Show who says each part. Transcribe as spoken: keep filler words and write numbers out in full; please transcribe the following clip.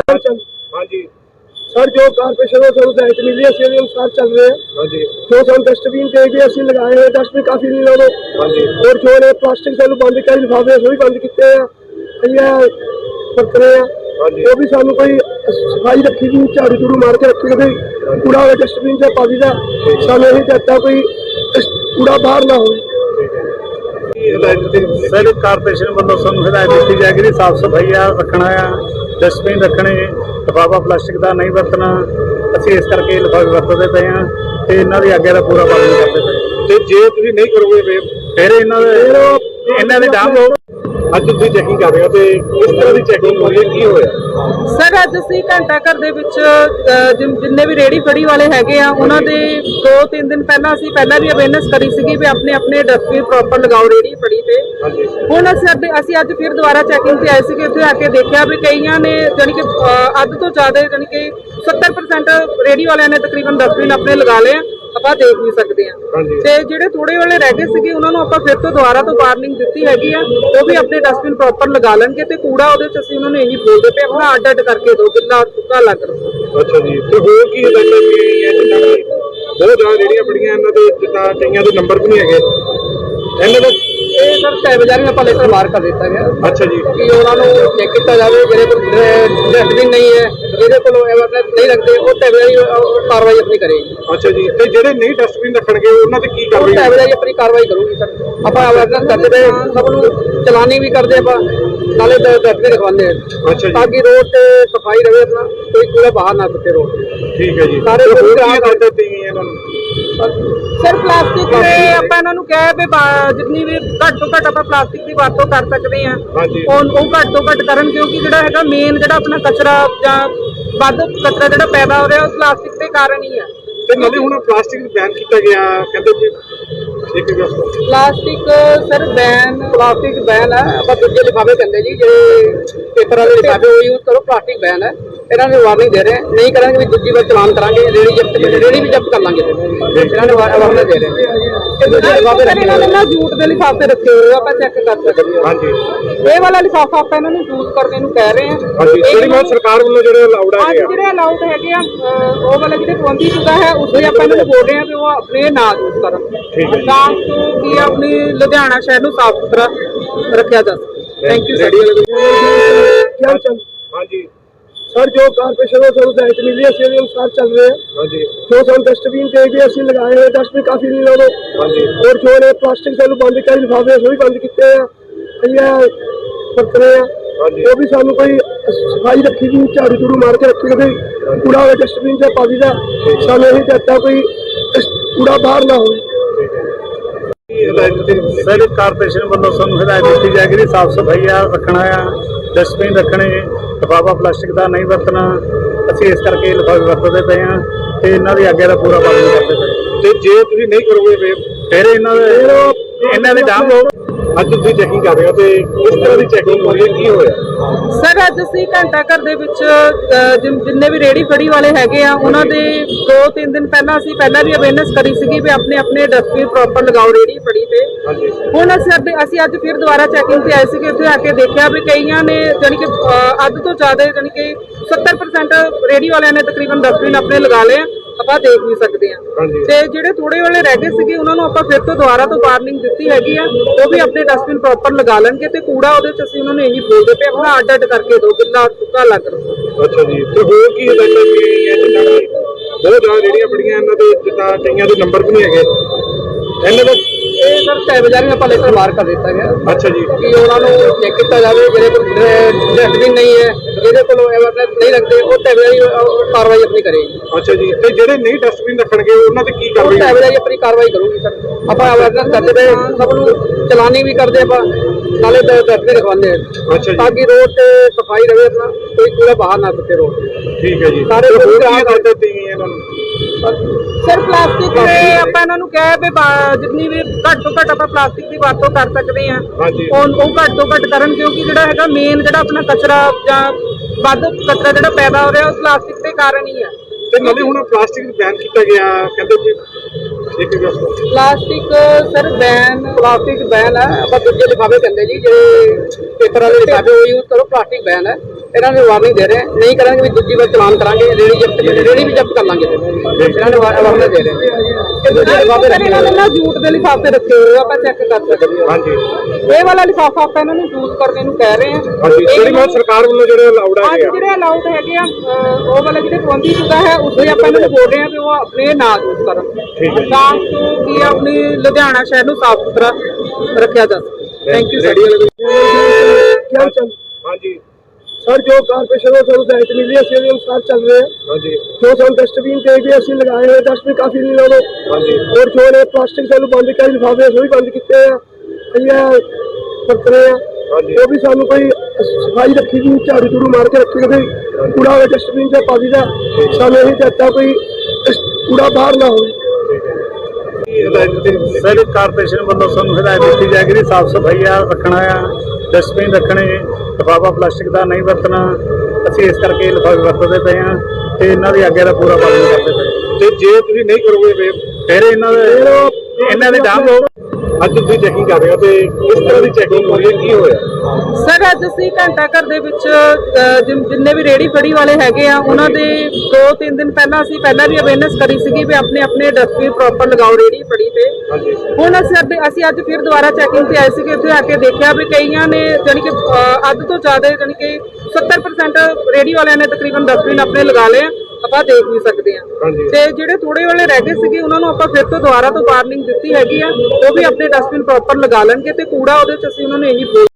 Speaker 1: हाँ जी
Speaker 2: सर जो कारपोरेशन को हिदायत मिली है उसके अनुसार चल रहे हैं।
Speaker 1: हाँ जी
Speaker 2: जो हम डस्टबिन पे भी असं लगाए हैं, डस्टबिन काफी नहीं लोग।
Speaker 1: हाँ जी
Speaker 2: और जो ने प्लास्टिक से बंद कर लिफाफे वो भी बंद किए हैं, बरत रहे हैं।
Speaker 1: हाँ जी
Speaker 2: वो भी सानू कोई सफाई रखी गई, झाड़ू झूड़ू मार के रखी गई, कूड़ा होगा डस्टबिन से पा दी सानू यही चाहता कोई कूड़ा बाहर ना हो।
Speaker 1: सर कारपोरेशन वालों सानू हिदायत दी जाएगी साफ सफाई रखना है, डस्टबिन रखने, लिफाफा प्लास्टिक का नहीं वरतना। ਅਸੀਂ ਇਸ ਕਰਕੇ ਲਿਫਾਫੇ ਵਰਤਦੇ ਪਏ ਹਾਂ ਤੇ ਇਹਨਾਂ ਦੀ ਆਗਿਆ ਦਾ ਪੂਰਾ ਪਾਲਣ ਕਰਦੇ ਪਏ। ਤੇ ਜੇ ਤੁਸੀਂ ਨਹੀਂ ਕਰੋਗੇ ਫਿਰ ਇਹਨਾਂ ਦੇ ਇਹਨਾਂ ਦੇ ਡਾਂਗ ਅੱਜ ਤੁਸੀਂ ਚੈਕਿੰਗ ਕਰ ਰਹੇ ਹੋ ਤੇ ਇਸ ਤਰ੍ਹਾਂ ਦੀ ਚੈਕਿੰਗ ਹੋਈ ਹੈ, ਕੀ ਹੋਇਆ?
Speaker 3: ਸਰ ਅੱਜ ਅਸੀਂ ਘੰਟਾ ਘਰ ਦੇ ਵਿੱਚ ਜਿੰਨੇ ਵੀ ਰੇੜੀ ਫੜੀ ਵਾਲੇ ਹੈਗੇ ਆ ਉਹਨਾਂ ਦੇ ਦੋ ਤਿੰਨ ਦਿਨ ਪਹਿਲਾਂ ਅਸੀਂ ਪਹਿਲਾਂ ਵੀ ਅਵੇਅਰਨੈਸ ਕਰੀ ਸੀਗੀ ਵੀ ਆਪਣੇ ਆਪਣੇ ਡਸਟਬਿਨ ਪ੍ਰੋਪਰ ਲਗਾਓ ਰੇੜੀ ਫੜੀ ਤੇ। ਹੁਣ ਅਸੀਂ ਅਸੀਂ ਅੱਜ ਫਿਰ ਦੁਬਾਰਾ ਚੈਕਿੰਗ ਤੇ ਆਏ ਸੀਗੇ, ਉੱਥੇ ਆ ਕੇ ਦੇਖਿਆ ਵੀ ਕਈਆਂ ਨੇ ਜਾਣੀ ਕਿ ਅੱਧ ਤੋਂ ਜ਼ਿਆਦਾ ਜਾਣੀ ਕਿ ਸੱਤਰ ਪਰਸੈਂਟ ਰੇੜੀ ਵਾਲਿਆਂ ਨੇ ਤਕਰੀਬਨ ਡਸਟਬਿਨ ਆਪਣੇ ਲਗਾ ਲਏ, ਆਪਾਂ ਦੇਖ ਵੀ ਸਕਦੇ ਹਾਂ। ਤੇ ਜਿਹੜੇ ਥੋੜੇ ਵਾਲੇ ਰਹਿ ਗਏ ਸੀਗੇ ਉਹਨਾਂ ਨੂੰ ਆਪਾਂ ਫਿਰ ਤੋਂ ਦੁਬਾਰਾ ਤੋਂ ਵਾਰਨਿੰਗ ਦਿੱਤੀ ਹੈਗੀ ਆ, ਉਹ ਵੀ ਆਪਣੇ ਡਸਟਬਿਨ ਪ੍ਰੋਪਰ ਲਗਾ ਲੈਣਗੇ ਤੇ ਕੂੜਾ ਉਹਦੇ ਚ ਅਸੀਂ ਉਹਨਾਂ ਨੂੰ ਇਹੀ ਬੋਲਦੇ ਪਏ ਆਪਣਾ ਅੱਡ ਅੱਡ ਕਰਕੇ ਦਿਓ, ਗਿੱਲਾ ਸੁੱਕਾ ਅਲੱਗ ਰੱਖੋ।
Speaker 1: ਅੱਛਾ ਜੀ, ਤੇ ਹੋਰ ਕੀ ਹਦਾਇਤਾਂ ਕੀ ਗਈਆਂ? ਜਿੱਦਾਂ ਬਹੁਤ ਜ਼ਿਆਦਾ ਜਿਹੜੀਆਂ ਬੜੀਆਂ ਇਹਨਾਂ ਦੇ ਜਿੱਦਾਂ ਕਈਆਂ ਦੇ ਨੰਬਰ ਵੀ ਨਹੀਂ ਹੈਗੇ ਇਹਨਾਂ ਦਾ।
Speaker 3: ਇਹ ਸਰ ਛੇ ਬਾਜ਼ਾਰ ਵਿੱਚ ਆਪਾਂ ਲੈਟਰ ਮਾਰ ਕਰ ਦਿੱਤਾ ਗਿਆ।
Speaker 1: ਅੱਛਾ ਜੀ,
Speaker 3: ਕਿ ਉਹਨਾਂ ਨੂੰ ਚੈੱਕ ਕੀਤਾ ਜਾਵੇ ਜਿਹੜੇ ਕੋਲ ਡਸਟਬਿਨ ਨਹੀਂ ਹੈ, ਜਿਹਦੇ ਕੋਲ ਅਵੇਅਰਨੈਸ ਨਹੀਂ ਰੱਖਦੇ ਉਹ ਟੈਬਲੇਰੀ ਕਾਰਵਾਈ ਆਪਣੀ ਕਰੇਗੀ।
Speaker 1: ਅੱਛਾ ਜੀ, ਤੇ ਜਿਹੜੇ ਨਹੀਂ ਡਸਟਬਿਨ ਰੱਖਣਗੇ ਉਹਨਾਂ ਤੇ ਕੀ ਕਾਰਵਾਈ?
Speaker 3: ਟੈਬਲੇਰੀ ਆਪਣੀ ਕਾਰਵਾਈ ਕਰੂਗੀ ਸਰ। ਆਪਾਂ ਅਵੇਅਰਨੈਸ ਕਰਦੇ ਪਏ, ਸਭ ਨੂੰ ਚਲਾਨੀ ਵੀ ਕਰਦੇ ਆਪਾਂ, ਨਾਲੇ ਡਸਟਬਿਨ ਰਖਵਾਉਂਦੇ ਆ।
Speaker 1: ਅੱਛਾ ਜੀ,
Speaker 3: ਤਾਂ ਕਿ ਰੋਡ ਤੇ ਸਫਾਈ ਰਹੇ, ਆਪਣਾ ਕੋਈ ਕੂੜਾ ਬਾਹਰ ਨਾ ਸੁੱਟੇ ਰੋਡ ਤੇ।
Speaker 1: ਠੀਕ ਹੈ ਜੀ।
Speaker 3: ਸਾਰੇ
Speaker 1: ਹੋਰ ਕੀ ਹਦਾਇਤਾਂ ਦਿੱਤੀਆਂ ਗਈਆਂ ਇਹਨਾਂ ਨੂੰ?
Speaker 3: ਸਰ ਪਲਾਸਟਿਕ ਦੇ ਆਪਾਂ ਇਹਨਾਂ ਨੂੰ ਕਿਹਾ ਵੀ ਜਿੰਨੀ ਵੀ ਘੱਟ ਤੋਂ ਘੱਟ ਆਪਾਂ ਪਲਾਸਟਿਕ ਦੀ ਵਰਤੋਂ ਕਰ ਸਕਦੇ ਹਾਂ ਉਹ ਉਹ ਘੱਟ ਤੋਂ ਘੱਟ ਕਰਨ, ਕਿਉਂਕਿ ਜਿਹੜਾ ਹੈਗਾ ਮੇਨ ਜਿਹੜਾ ਆਪਣਾ ਕਚਰਾ ਜਾਂ ਵੱਧ ਕਚਰਾ ਜਿਹੜਾ ਪੈਦਾ ਹੋ ਰਿਹਾ ਉਹ ਪਲਾਸਟਿਕ ਦੇ ਕਾਰਨ ਹੀ ਹੈ।
Speaker 1: ਤੇ ਨਾਲੇ ਹੁਣ ਪਲਾਸਟਿਕ ਬੈਨ ਕੀਤਾ ਗਿਆ, ਕਹਿੰਦੇ ਵੀ ਇੱਕ
Speaker 3: plastic sir ban plastic ban ਹੈ, ਆਪਾਂ ਦੂਜੇ ਲਿਫਾਫੇ ਕਹਿੰਦੇ ਜੀ ਜਿਹੜੇ ਪੇਪਰ ਵਾਲੇ ਲਿਫਾਫੇ ਉਹ ਯੂਜ਼ ਕਰੋ, ਪਲਾਸਟਿਕ ਬੈਨ ਹੈ। ਇਹਨਾਂ ਨੂੰ ਵਾਰਨਿੰਗ ਦੇ ਰਹੇ, ਨਹੀਂ ਕਰਾਂਗੇ ਵੀ ਦੂਜੀ ਵਾਰ ਚਲਾਨ ਕਰਾਂਗੇ, ਰੇੜੀ ਜ਼ਬਤ ਰੇੜੀ ਵੀ ਜ਼ਬਤ ਕਰ ਲਾਂਗੇ। ਇਹਨਾਂ ਨੇ ਵਾਰਨਿੰਗ ਦੇ ਰਹੇ ਕਿ ਦੂਜੇ ਲਿਫਾਫੇ ਰੱਖੇ ਇਹਨਾਂ ਨੇ ਜੂਟ ਦੇ ਲਿਫਾਫੇ ਰੱਖੇ ਹੋਏ ਆਪਾਂ ਚੈੱਕ ਕਰ ਸਕਦੇ ਹਾਂ। ਹਾਂਜੀ, ਇਹ ਵਾਲਾ ਲਿਫਾਫਾ ਆਪਾਂ ਇਹਨਾਂ ਨੂੰ ਯੂਜ਼ ਕਰਨੇ ਨੂੰ ਕਹਿ ਰਹੇ ਹਾਂ।
Speaker 1: ਹਾਂਜੀ, ਜਿਹੜੀ ਮੈਂ ਸਰਕਾਰ ਵੱਲੋਂ ਜਿਹੜੇ ਅਲਾਉਡ ਹੈਗੇ ਆ
Speaker 3: ਜਿਹੜੇ ਅਲਾਉਡ ਹੈਗੇ ਆ ਉਹ ਵਾਲਾ ਜਿਹੜੇ ਪਾਬੰਦੀ ਸ਼ੁਦਾ ਹੈ ਉਸੇ ਆਪਾਂ ਇਹਨਾਂ ਨੂੰ ਬੋਲ ਰਹੇ ਹਾਂ ਵੀ ਉਹ ਆਪਣੇ ਨਾ ਯੂਜ਼ ਕਰਨ, ਤਾਂ ਕਿ ਆਪਣੀ ਲੁਧਿਆਣਾ ਸ਼ਹਿਰ ਨੂੰ ਸਾਫ਼ ਸੁਥਰਾ ਰੱਖਿਆ ਜਾ ਸਕੇ। Thank you sir.
Speaker 1: ਹਾਂਜੀ
Speaker 2: सर जो कारपोरेशन को हिदायत मिली है उसके अनुसार चल रहे हैं।
Speaker 1: हाँ जी
Speaker 2: जो हम डस्टबिन पे भी असं लगाए हैं, डस्टबिन काफी नहीं लोग।
Speaker 1: हाँ जी
Speaker 2: और जो ने प्लास्टिक से बंद कर लिफाफे वो भी बंद किए हैं, बरत रहे हैं।
Speaker 1: हाँ जी
Speaker 2: वो भी सानू कोई सफाई रखी गई, झाड़ू झूड़ू मार के रखी गई, कूड़ा होगा डस्टबिन से पा दी सानू यही चाहता कोई कूड़ा बाहर ना हो।
Speaker 1: सर कारपोरेशन वालों सानू हिदायत दी जाएगी साफ सफाई रखना है, डस्टबिन रखने, लिफाफा प्लास्टिक का नहीं वरतना। ਅਸੀਂ ਇਸ ਕਰਕੇ ਲਿਫਾਫੇ ਵਰਤਦੇ ਪਏ ਹਾਂ ਤੇ ਇਹਨਾਂ ਦੀ ਆਗਿਆ ਦਾ ਪੂਰਾ ਪਾਲਣ ਕਰਦੇ ਪਏ। ਤੇ ਜੇ ਤੁਸੀਂ ਨਹੀਂ ਕਰੋਗੇ ਫਿਰ ਇਹਨਾਂ ਦੇ ਇਹਨਾਂ ਦੇ ਡਾਂਗ ਅੱਜ ਤੁਸੀਂ ਚੈਕਿੰਗ ਕਰ ਰਹੇ ਹੋ ਤੇ ਇਸ ਤਰ੍ਹਾਂ ਦੀ ਚੈਕਿੰਗ ਹੋਈ ਹੈ, ਕੀ ਹੋਇਆ?
Speaker 3: ਸਰ ਅੱਜ ਅਸੀਂ ਘੰਟਾ ਘਰ ਦੇ ਵਿੱਚ ਜਿੰਨੇ ਵੀ ਰੇੜੀ ਫੜੀ ਵਾਲੇ ਹੈਗੇ ਆ ਉਹਨਾਂ ਦੇ ਦੋ ਤਿੰਨ ਦਿਨ ਪਹਿਲਾਂ ਅਸੀਂ ਪਹਿਲਾਂ ਵੀ ਅਵੇਅਰਨੈਸ ਕਰੀ ਸੀਗੀ ਵੀ ਆਪਣੇ ਆਪਣੇ ਡਸਟਬਿਨ ਪ੍ਰੋਪਰ ਲਗਾਓ ਰੇੜੀ ਫੜੀ ਤੇ। ਹੁਣ ਅਸੀਂ ਅਸੀਂ ਅੱਜ ਫਿਰ ਦੁਬਾਰਾ ਚੈਕਿੰਗ ਤੇ ਆਏ ਸੀਗੇ, ਉੱਥੇ ਆ ਕੇ ਦੇਖਿਆ ਵੀ ਕਈਆਂ ਨੇ ਜਾਣੀ ਕਿ ਅੱਧ ਤੋਂ ਜ਼ਿਆਦਾ ਜਾਣੀ ਕਿ ਸੱਤਰ ਪਰਸੈਂਟ ਰੇੜੀ ਵਾਲਿਆਂ ਨੇ ਤਕਰੀਬਨ ਡਸਟਬਿਨ ਆਪਣੇ ਲਗਾ ਲਏ, ਆਪਾਂ ਦੇਖ ਵੀ ਸਕਦੇ ਹਾਂ। ਤੇ ਜਿਹੜੇ ਥੋੜੇ ਵਾਲੇ ਰਹਿ ਗਏ ਸੀਗੇ ਉਹਨਾਂ ਨੂੰ ਆਪਾਂ ਫਿਰ ਤੋਂ ਦੁਬਾਰਾ ਤੋਂ ਵਾਰਨਿੰਗ ਦਿੱਤੀ ਹੈਗੀ ਆ, ਉਹ ਵੀ ਆਪਣੇ ਡਸਟਬਿਨ ਪ੍ਰੋਪਰ ਲਗਾ ਲੈਣਗੇ ਤੇ ਕੂੜਾ ਉਹਦੇ ਚ ਅਸੀਂ ਉਹਨਾਂ ਨੂੰ ਇਹੀ ਬੋਲਦੇ ਪਏ ਆਪਣਾ ਅੱਡ ਅੱਡ ਕਰਕੇ ਦਿਓ, ਗਿੱਲਾ ਸੁੱਕਾ ਅਲੱਗ ਰੱਖੋ।
Speaker 1: ਅੱਛਾ ਜੀ, ਤੇ ਹੋਰ ਕੀ ਹਦਾਇਤਾਂ ਕੀ ਗਈਆਂ? ਜਿੱਦਾਂ ਬਹੁਤ ਜ਼ਿਆਦਾ ਜਿਹੜੀਆਂ ਬੜੀਆਂ ਇਹਨਾਂ ਦੇ ਜਿੱਦਾਂ ਕਈਆਂ ਦੇ ਨੰਬਰ ਵੀ ਨਹੀਂ ਹੈਗੇ ਇਹਨਾਂ ਦਾ।
Speaker 3: ਇਹ ਸਰ ਛੇ ਬਾਜ਼ਾਰ ਵਿੱਚ ਆਪਾਂ ਲੈਟਰ ਮਾਰ ਕਰ ਦਿੱਤਾ ਗਿਆ।
Speaker 1: ਅੱਛਾ ਜੀ,
Speaker 3: ਕਿ ਉਹਨਾਂ ਨੂੰ ਚੈੱਕ ਕੀਤਾ ਜਾਵੇ ਜਿਹੜੇ ਕੋਲ ਡਸਟਬਿਨ ਨਹੀਂ ਹੈ, ਜਿਹਦੇ ਕੋਲ ਅਵੇਅਰਨੈਸ ਨਹੀਂ ਰੱਖਦੇ ਉਹ ਟੈਬਲੇਰੀ ਕਾਰਵਾਈ ਆਪਣੀ ਕਰੇਗੀ।
Speaker 1: ਅੱਛਾ ਜੀ, ਤੇ ਜਿਹੜੇ ਨਹੀਂ ਡਸਟਬਿਨ ਰੱਖਣਗੇ ਉਹਨਾਂ ਤੇ ਕੀ ਕਾਰਵਾਈ?
Speaker 3: ਟੈਬਲੇਰੀ ਆਪਣੀ ਕਾਰਵਾਈ ਕਰੂਗੀ ਸਰ। ਆਪਾਂ ਅਵੇਅਰਨੈਸ ਕਰਦੇ ਪਏ, ਸਭ ਨੂੰ ਚਲਾਨੀ ਵੀ ਕਰਦੇ ਆਪਾਂ, ਨਾਲੇ ਡਸਟਬਿਨ ਰਖਵਾਉਂਦੇ ਆ।
Speaker 1: ਅੱਛਾ ਜੀ,
Speaker 3: ਤਾਂ ਕਿ ਰੋਡ ਤੇ ਸਫਾਈ ਰਹੇ, ਆਪਣਾ ਕੋਈ ਕੂੜਾ ਬਾਹਰ ਨਾ ਸੁੱਟੇ ਰੋਡ ਤੇ।
Speaker 1: ਠੀਕ ਹੈ ਜੀ।
Speaker 3: ਸਾਰੇ
Speaker 1: ਹੋਰ ਕੀ ਹਦਾਇਤਾਂ ਦਿੱਤੀਆਂ ਗਈਆਂ ਇਹਨਾਂ ਨੂੰ?
Speaker 3: ਸਰ ਪਲਾਸਟਿਕ ਦੇ ਆਪਾਂ ਇਹਨਾਂ ਨੂੰ ਕਿਹਾ ਵੀ ਜਿੰਨੀ ਵੀ ਘੱਟ ਤੋਂ ਘੱਟ ਆਪਾਂ ਪਲਾਸਟਿਕ ਦੀ ਵਰਤੋਂ ਕਰ ਸਕਦੇ ਹਾਂ ਉਹ ਉਹ ਘੱਟ ਤੋਂ ਘੱਟ ਕਰਨ, ਕਿਉਂਕਿ ਜਿਹੜਾ ਹੈਗਾ ਮੇਨ ਜਿਹੜਾ ਆਪਣਾ ਕਚਰਾ ਜਾਂ ਵੱਧ ਕਚਰਾ ਜਿਹੜਾ ਪੈਦਾ ਹੋ ਰਿਹਾ ਉਹ ਪਲਾਸਟਿਕ ਦੇ ਕਾਰਨ ਹੀ ਹੈ।
Speaker 1: ਤੇ ਨਾਲੇ ਹੁਣ ਪਲਾਸਟਿਕ ਬੈਨ ਕੀਤਾ ਗਿਆ, ਕਹਿੰਦੇ ਵੀ ਇੱਕ
Speaker 3: plastic sir ban plastic ban ਹੈ, ਆਪਾਂ ਦੂਜੇ ਲਿਫਾਫੇ ਕਹਿੰਦੇ ਜੀ ਜਿਹੜੇ ਪੇਪਰ ਵਾਲੇ ਲਿਫਾਫੇ ਉਹ ਯੂਜ਼ ਕਰੋ, ਪਲਾਸਟਿਕ ਬੈਨ ਹੈ। ਇਹਨਾਂ ਨੇ ਵਾਰਨਿੰਗ ਦੇ ਰਹੇ ਨਹੀਂ ਕਰਾਂਗੇ ਵੀ ਦੂਜੀ ਵਾਰ ਚਲਾਨ ਕਰਾਂਗੇ ਰੇੜੀ ਜ਼ਬਤ ਰੇੜੀ ਵੀ ਜ਼ਬਤ ਕਰ ਲਾਂਗੇ ਇਹਨਾਂ ਨੇ ਵਾਰਨਿੰਗ ਦੇ ਰਹੇ ਇਹਨਾਂ ਨੇ ਨਾ ਜੂਟ ਦੇ ਲਿਫਾਫੇ ਰੱਖੇ ਹੋਏ ਆ, ਆਪਾਂ ਚੈੱਕ ਕਰ ਸਕਦੇ ਹਾਂ।
Speaker 1: ਹਾਂਜੀ
Speaker 3: ਇਹ ਵਾਲਾ ਲਿਫਾਫਾ ਆਪਾਂ ਇਹਨਾਂ ਨੂੰ ਯੂਜ਼ ਕਰਨੇ ਨੂੰ ਕਹਿ ਰਹੇ ਹਾਂ।
Speaker 1: ਹਾਂਜੀ ਜਿਹੜੀ ਮੈਂ ਸਰਕਾਰ ਵੱਲੋਂ ਜਿਹੜੇ ਅਲਾਉਡ
Speaker 3: ਅੱਜ
Speaker 1: ਹੈਗੇ ਆ
Speaker 3: ਜਿਹੜੇ ਅਲਾਉਡ ਹੈਗੇ ਆ ਅਹ ਉਹ ਵਾਲਾ ਜਿਹੜੇ ਪਾਬੰਦੀ ਸ਼ੁਦਾ ਹੈ ਉਸ ਲਈ ਆਪਾਂ ਇਹਨਾਂ ਨੂੰ ਬੋਲ ਰਹੇ ਹਾਂ ਵੀ ਉਹ ਆਪਣੇ ਨਾ ਯੂਜ਼ ਕਰਨ
Speaker 1: ਠੀਕ ਹੈ ਜੀ।
Speaker 3: ਤਾਂ ਕਿ ਕੀ ਆਪਣੀ ਲੁਧਿਆਣਾ ਸ਼ਹਿਰ ਨੂੰ ਸਾਫ਼ ਸੁਥਰਾ ਰੱਖਿਆ ਜਾ ਸਕੇ। ਥੈਂਕ ਯੂ
Speaker 1: ਰੇਹੜੀ ਵਾਲੇ
Speaker 2: क्या चल
Speaker 1: ਹਾਂਜੀ
Speaker 2: सर जो कारपोरेशन को सब दायित्व मिली है उसके अनुसार चल रहे हैं।
Speaker 1: ਹਾਂਜੀ
Speaker 2: जो सब डस्टबिन पे भी असं लगाए हुए डस्टबिन काफी नहीं लोग
Speaker 1: ਹਾਂਜੀ
Speaker 2: और जो ने प्लास्टिक सानू बंद किया लिफाफे वो भी बंद किए हैं बरत रहे हैं
Speaker 1: ਹਾਂਜੀ
Speaker 2: वो भी सानू कोई सफाई रखी गई झाड़ू झूड़ू मार के रखी गई कूड़ा होवे डस्टबिन से पा दीदा सानू यही चाहता कोई कूड़ा बाहर ना हो।
Speaker 1: ਸਰ ਕਾਰਪੋਰੇਸ਼ਨ ਵੱਲੋਂ ਸਾਨੂੰ ਹਦਾਇਤ ਦਿੱਤੀ ਜਾਏਗੀ ਕਿ ਸਾਫ ਸਫਾਈ ਆ ਰੱਖਣਾ ਆ, ਡਸਟਬਿਨ ਰੱਖਣੇ, ਲਿਫਾਫਾ ਪਲਾਸਟਿਕ ਦਾ ਨਹੀਂ ਵਰਤਣਾ। ਅਸੀਂ ਇਸ ਕਰਕੇ ਲਿਫਾਫੇ ਵਰਤਦੇ ਪਏ ਆ ਤੇ ਇਹਨਾਂ ਦੀ ਆਗਿਆ ਦਾ ਪੂਰਾ ਪਾਲਣ ਕਰਦੇ ਪਏ। ਤੇ ਜੇ ਤੁਸੀਂ ਨਹੀਂ ਕਰੋਗੇ ਫਿਰ ਇਹਨਾਂ ਦੇ ਇਹਨਾਂ ਦੇ ਡਾਮ ਲਓ। ਅੱਜ ਤੁਸੀਂ ਚੈਕਿੰਗ ਕਰ ਰਹੇ ਹੋ ਤੇ ਇਸ ਤਰ੍ਹਾਂ ਦੀ ਚੈਕਿੰਗ ਹੋ ਰਹੀ ਹੈ, ਕੀ ਹੋਇਆ?
Speaker 3: ਸਰ ਅੱਜ ਅਸੀਂ ਘੰਟਾ ਘਰ ਦੇ ਵਿੱਚ ਅਹ, ਜਿਨ- ਜਿੰਨੇ ਵੀ ਰੇੜੀ ਫੜੀ ਵਾਲੇ ਹੈਗੇ ਆ ਉਹਨਾਂ ਦੇ ਦੋ ਤਿੰਨ ਦਿਨ ਪਹਿਲਾਂ ਅਸੀਂ ਪਹਿਲਾਂ ਵੀ ਅਵੇਅਰਨੈਸ ਕਰੀ ਸੀਗੀ ਵੀ ਆਪਣੇ ਆਪਣੇ ਡਸਟਬਿਨ ਪ੍ਰੋਪਰ ਲਗਾਓ ਰੇੜੀ ਫੜੀ ਤੇ।
Speaker 1: ਹਾਂਜੀ
Speaker 3: ਹੁਣ ਅਸੀਂ ਅੱਜ ਅਸੀਂ ਅੱਜ ਫਿਰ ਦੁਬਾਰਾ ਚੈਕਿੰਗ ਤੇ ਆਏ ਸੀਗੇ, ਉੱਥੇ ਆ ਕੇ ਦੇਖਿਆ ਵੀ ਕਈਆਂ ਨੇ ਜਾਣੀ ਕਿ ਅਹ, ਅੱਧ ਤੋਂ ਜ਼ਿਆਦਾ ਜਾਣੀ ਕਿ ਸੱਤਰ ਪਰਸੈਂਟ ਰੇੜੀ ਵਾਲਿਆਂ ਨੇ ਤਕਰੀਬਨ ਡਸਟਬਿਨ ਆਪਣੇ ਲਗਾ ਲਏ ਆ, ਆਪਾਂ ਦੇਖ ਵੀ ਸਕਦੇ ਆ।
Speaker 1: ਹਾਂਜੀ
Speaker 3: ਤੇ ਜਿਹੜੇ ਥੋੜੇ ਵਾਲੇ ਰਹਿ ਗਏ ਸੀਗੇ ਉਹਨਾਂ ਨੂੰ ਆਪਾਂ ਫਿਰ ਤੋਂ ਦੁਬਾਰਾ ਤੋਂ ਵਾਰਨਿੰਗ ਦਿੱਤੀ ਹੈਗੀ ਆ, ਉਹ ਵੀ ਆਪਣੇ ਡਸਟਬਿਨ ਪ੍ਰੋਪਰ ਲਗਾ ਲੈਣਗੇ ਤੇ ਕੂੜਾ ਉਹਦੇ ਚ ਅਸੀਂ ਉਹਨਾਂ ਨੂੰ ਇਹੀ